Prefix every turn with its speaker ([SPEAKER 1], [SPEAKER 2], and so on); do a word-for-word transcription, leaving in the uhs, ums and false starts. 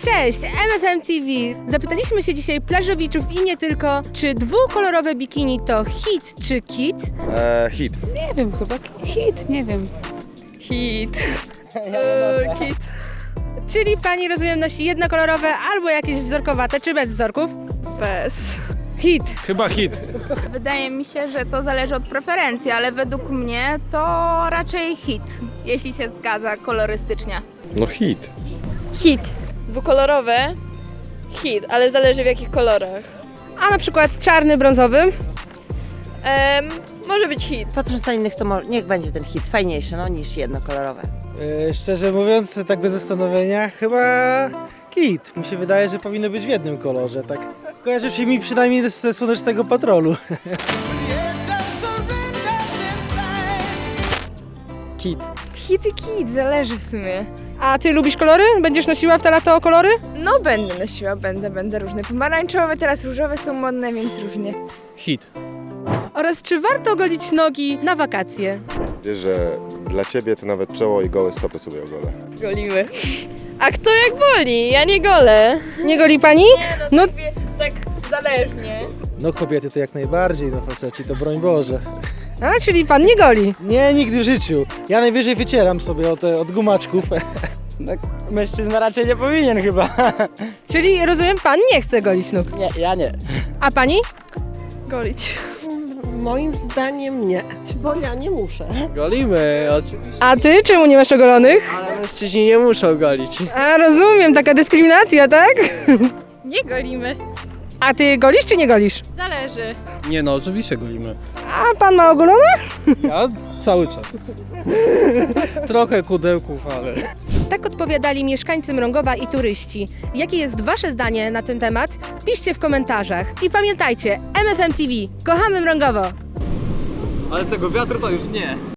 [SPEAKER 1] Cześć, M F M T V. Zapytaliśmy się dzisiaj plażowiczów i nie tylko, czy dwukolorowe bikini to hit czy kit?
[SPEAKER 2] Eee, hit.
[SPEAKER 3] Nie wiem, chyba hit, nie wiem.
[SPEAKER 4] Hit.
[SPEAKER 1] Eee, kit. Czyli pani, rozumiem, nosi jednokolorowe albo jakieś wzorkowate, czy bez wzorków?
[SPEAKER 4] Bez.
[SPEAKER 1] Hit.
[SPEAKER 5] Chyba hit.
[SPEAKER 3] Wydaje mi się, że to zależy od preferencji, ale według mnie to raczej hit, jeśli się zgadza kolorystycznie.
[SPEAKER 2] No hit.
[SPEAKER 4] Hit. Dwukolorowe. Hit, ale zależy w jakich kolorach.
[SPEAKER 1] A na przykład czarny, brązowy?
[SPEAKER 4] Em, może być hit.
[SPEAKER 6] Patrząc na innych, to mo- niech będzie ten hit fajniejszy no, niż jednokolorowe.
[SPEAKER 7] Yy, szczerze mówiąc, tak bez zastanowienia, chyba kit. Mi się wydaje, że powinno być w jednym kolorze, tak. Kojarzy się mi przynajmniej ze Słonecznego Patrolu.
[SPEAKER 5] Kit.
[SPEAKER 3] Hit i kit, zależy w sumie.
[SPEAKER 1] A ty lubisz kolory? Będziesz nosiła w te lato kolory?
[SPEAKER 3] No będę nosiła, będę, będę różne. Pomarańczowe, teraz różowe są modne, więc różnie.
[SPEAKER 5] Hit.
[SPEAKER 1] Oraz czy warto golić nogi na wakacje?
[SPEAKER 2] Wiesz, że dla ciebie to nawet czoło i gołe stopy sobie ogolę.
[SPEAKER 4] Golimy. A kto jak woli? Ja nie golę.
[SPEAKER 1] Nie goli pani? No
[SPEAKER 4] Tak zależnie.
[SPEAKER 7] No kobiety to jak najbardziej, no faceci to broń Boże.
[SPEAKER 1] a, czyli pan nie goli.
[SPEAKER 7] Nie, nigdy w życiu. Ja najwyżej wycieram sobie od, od gumaczków.
[SPEAKER 8] Mężczyzna raczej nie powinien chyba.
[SPEAKER 1] Czyli rozumiem, pan nie chce golić nóg.
[SPEAKER 8] Nie, ja nie.
[SPEAKER 1] A pani?
[SPEAKER 4] Golić.
[SPEAKER 6] Moim zdaniem nie, bo ja nie muszę.
[SPEAKER 8] Golimy, oczywiście.
[SPEAKER 1] A ty czemu nie masz ogolonych?
[SPEAKER 8] Ale mężczyźni nie muszą golić.
[SPEAKER 1] A rozumiem, taka dyskryminacja, tak?
[SPEAKER 4] Nie golimy.
[SPEAKER 1] A ty golisz czy nie golisz?
[SPEAKER 4] Zależy.
[SPEAKER 5] Nie no, oczywiście golimy.
[SPEAKER 1] A pan ma ogolone?
[SPEAKER 5] Ja cały czas. Trochę kudełków, ale...
[SPEAKER 1] Tak odpowiadali mieszkańcy Mrągowa i turyści. Jakie jest wasze zdanie na ten temat? Piszcie w komentarzach. I pamiętajcie, M F M T V. Kochamy Mrągowo!
[SPEAKER 8] Ale tego wiatru to już nie.